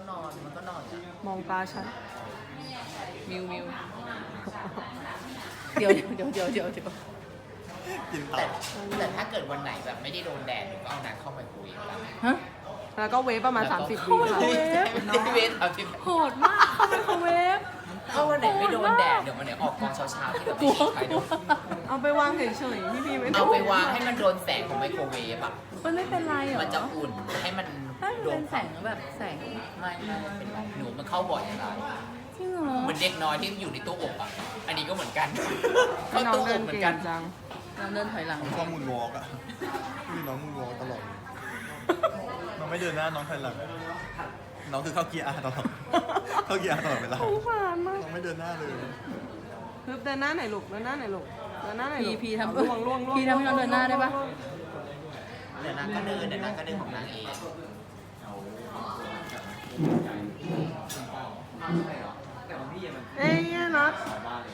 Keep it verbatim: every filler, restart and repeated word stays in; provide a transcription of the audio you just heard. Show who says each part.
Speaker 1: นอนมันก็นอนอ่ะ
Speaker 2: มองตาฉัน
Speaker 3: มิวมิวเดี๋ยวเดี๋ยวเดี๋ยวเดี๋ยวเดี๋ยว
Speaker 4: กินต่อ
Speaker 1: แต่แต่ถ้าเกิดวันไหนแบบไม่ได้โดนแดดหนูก็เอาน้ำเข้าไมโครเวฟแล้ว
Speaker 3: ฮะ
Speaker 2: แล้วก็เวฟประมาณ
Speaker 1: แล้วก็
Speaker 2: สามสิบวิค่ะ
Speaker 1: ไม่ใช่ไม่ได้เวฟเอาที่
Speaker 3: โหดมากเข้าไมโครเวฟ
Speaker 1: ถ้าวันไหนไม่โดนแดดเดี๋ยววันไหนออกกองเช้าๆที่แบบไม่มีใครดู
Speaker 2: เอาไปวางเฉยๆพี่พีไม่ต้
Speaker 1: เอา
Speaker 2: อง
Speaker 1: ไปวางให้มันโดนแสงของไมโครเวฟอ่ะ
Speaker 3: มันไม่เป็นไรเหรอ
Speaker 1: มันจะอุ่นให้มัน
Speaker 3: ถ้ามัน
Speaker 1: โด
Speaker 3: เป็น นแสงแบบแสง
Speaker 1: ไม่ไม่เป็นไรหนูมันเข้าบ่อยอะไร
Speaker 3: จริงเหรอ
Speaker 1: เหมือนเด็กน้อยที่อยู่ในตู้อบอ่ะอันนี้ก็เหมือนกันเข้า
Speaker 2: น้อง
Speaker 1: ตู้อ
Speaker 2: เดิ
Speaker 1: บ
Speaker 2: น
Speaker 1: เหมือ
Speaker 2: เก่
Speaker 1: นกัน
Speaker 2: งจัง
Speaker 3: เราเดินถอยหลัง
Speaker 4: ผมชอบมูนวอล์กอ่ะนี่น้องมูนวอล์กตลอดเลยน้องไม่เดินหน้าน้องถอยหลังน้องคือเข้าเกียร์อาร์ตลอดเข้าเกียร์อาร์ตลอดเวลา
Speaker 2: สงสารมาก
Speaker 4: น้องไม่เดินหน้าเลย
Speaker 2: ฮึบเดินหน้าไหนอยลูกเดินหน้าไหนอยลูกเดินหน้าไหนอย
Speaker 3: พี
Speaker 2: ลูก
Speaker 3: พีทำ
Speaker 2: ล่วงล่วงล่วง
Speaker 3: พีทำให้น้องเดินหน้าได้ปะ
Speaker 1: เดี๋ยวนางก็เดินเดี๋ยวนางก็เดินของนางเอง
Speaker 2: เอ้ยน็อต